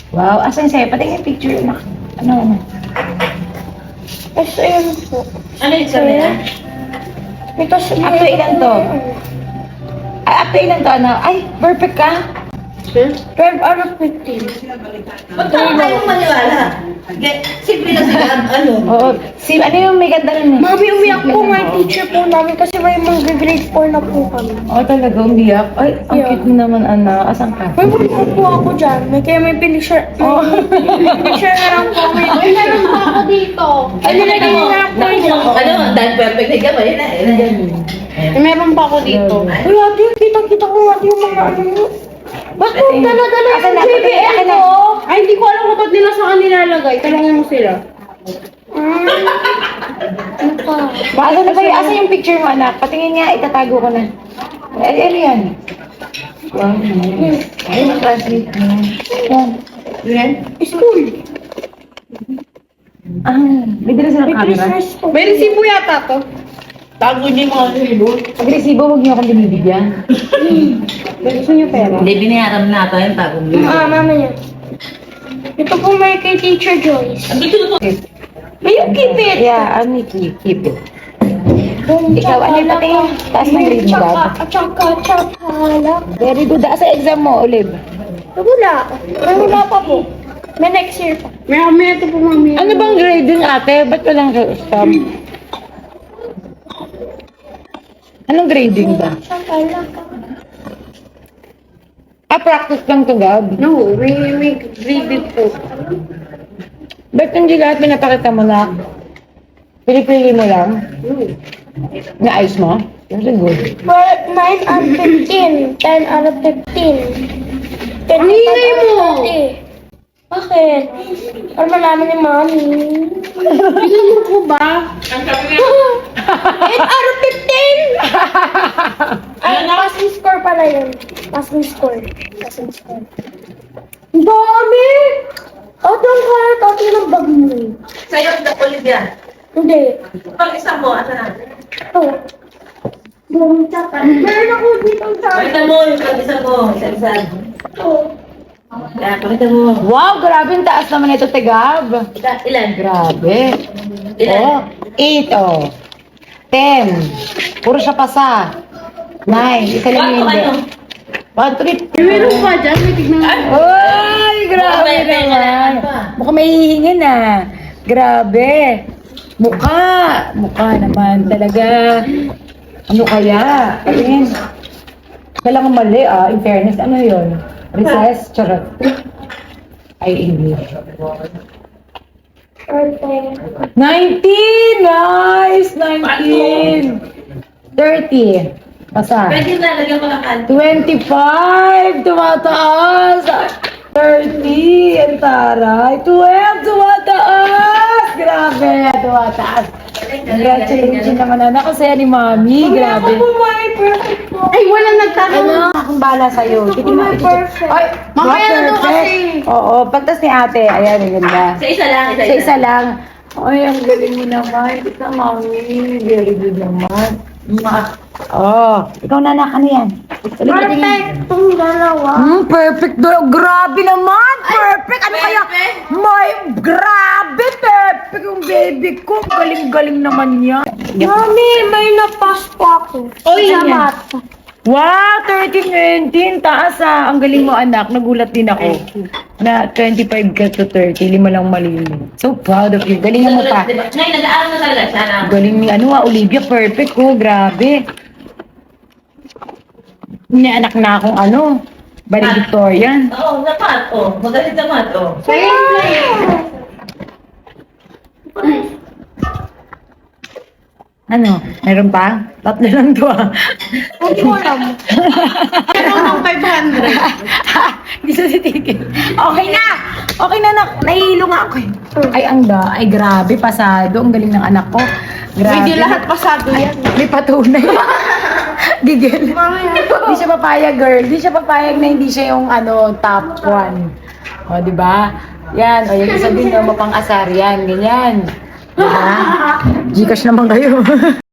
Wow, asan sa'yo? Patingin yung picture. Ano? Ito yun po. Ano yung sabi na? Ito Up to ilan to? Ay, up to ilan to? Ano? Ay, perfect ka? 12 out of 15. Ba't tayo maniwala? Simple na sila, ano? Oo. Ano yung may ganda rin eh? Mami, umiyak po nga yung teacher po namin kasi may mga grade 4 na po kami. Oo, talaga, umiyak. Ay, ang Yeah. cute mo naman, anak. Asan ka? May buko po ako dyan. Kaya may pinicture. Oh. Pinicture na lang po. May meron pa ako dito. Ay, nilagay na lang po yun. Ano, dahil perfect na ka, yun na. May meron pa ako dito. Uy, ate, kita-kita ko ate yung mga ano. Bakit dala-dala Akin yung na, JBL akin na. ko? Ay, hindi ko alam kung ba't nila sa kanila lagay. Talangin mo sila. Ano pa? Paano na ba yun? Asan yung picture mo, anak? Patingin nga, itatago ko na. Ay, ano yan? Wow, nice. Ay, translate mo. Yan. Yan? School. May dala silang May camera. Christmas po. May resibo yata to. Tago niyo yung mga relo. Pag resibo, huwag niyo akong binibigyan. Gusto niyo pera? Hindi, binayaran na ata yung tago niyo. Mamaya. Ito po may kay Teacher Joyce. Ang gusto ko. May you keep it. Yeah, I'll make you keep it. Boom, Ikaw, ano yung patingin? Taas ng grade mo, Dad. Tsaka. Very good. Sa exam mo, Olive. Wala. Wala pa po. May next year pa. May ito po mami. Ano bang grade din, ate? Ba't walang stop? Anong grading ba? Tsaka. Practice lang to, Gab. No, may graded po. Ba't hindi lahat pinapakita mo na? Pili-pili mo lang? Na-ayos mo? That's good. Well, 9 out of 15. 10 out of 15. 10 mo! Bakit? Para malaman ni Mami. Pinano ko ba? Ang sabi nga. 8 out of 15! Ay, passing score pala yun. Passing score. Passing score. Ang dami! Ate, ang kalat. Ate, ng bag mo. Sa'yo, the Olivia. Hindi. Pag isa mo, asa na? Ito. Bumita ka. Meron ako dito sa Pakita mo yung pag isa mo, isa-isa. Ito. Kaya, pakita mo. Wow, grabe ang taas naman ito, te, Gab. Ilan? Grabe. Ilan? Oh, 8, oh. 10. Puro siya pasa. 9. Isa lang yung hindi. 1, 3. Meron pa dyan. May tignan mo. Ay, grabe May naman. pa. Mukhang may hihingin ah. Grabe. Mukha naman talaga. Ano kaya? Ayun. Kailangan mali ah. In fairness, ano yun? Recess? Charot. Ay, English. Ate. 19! Nice! 19! 30. Pasa. Pwede na, lagyan ko ng kanto. 25! Tumataas! 30! Ang taray! 12! Tumataas! Grabe! Tumataas! Congratulations naman anak kasi ni Mami. Grabe. Perfect po. Ay, wala nagtanong. Ano? Akong bala sa'yo. Titignan ko. Perfect. Ay, Mamaya na daw perfect. kasi. Oo, pagtas ni ate. Ayan, ang ganda. Sa isa lang, Sa isa lang. Ay, ang galing mo naman. Ito, Mami. Very good naman. Ikaw na anak. Ano yan? Perfect. Itong dalawa. Perfect. Grabe naman. Perfect. Ano kaya? May grabe. Perfect yung baby ko. Galing-galing naman yan. Mami, may napas po ako. Oy, Sa yan. math. Wow, 13, 19. Taas ah. Ang galing mo anak. Nagulat din ako. Na 25 ka to 30. Lima lang mali mo. So proud of you. Galingan mo pa. Ngayon, nag-aaral na talaga siya na. Galing ni Olivia. Perfect ko. Grabe. Ni anak na akong valedictorian. Oo, sa mat, oh. Magaling sa mat, oh. Ano? Meron pa? Tatlo lang to ah. Hindi ko alam. Meron ng 500. Hindi sa titigil. Okay na! Okay na, nak. Nahihilo nga ako eh. Ay, grabe. Pasado. Ang galing ng anak ko. Grabe. Hindi lahat pasado yan. May patunay. Gigil. Hindi siya papayag, girl. Hindi siya papayag na hindi siya yung top 1. O, di ba? Yan. O, yung isa din, mapang-asar yan. Ganyan. Diba? Gcash naman kayo.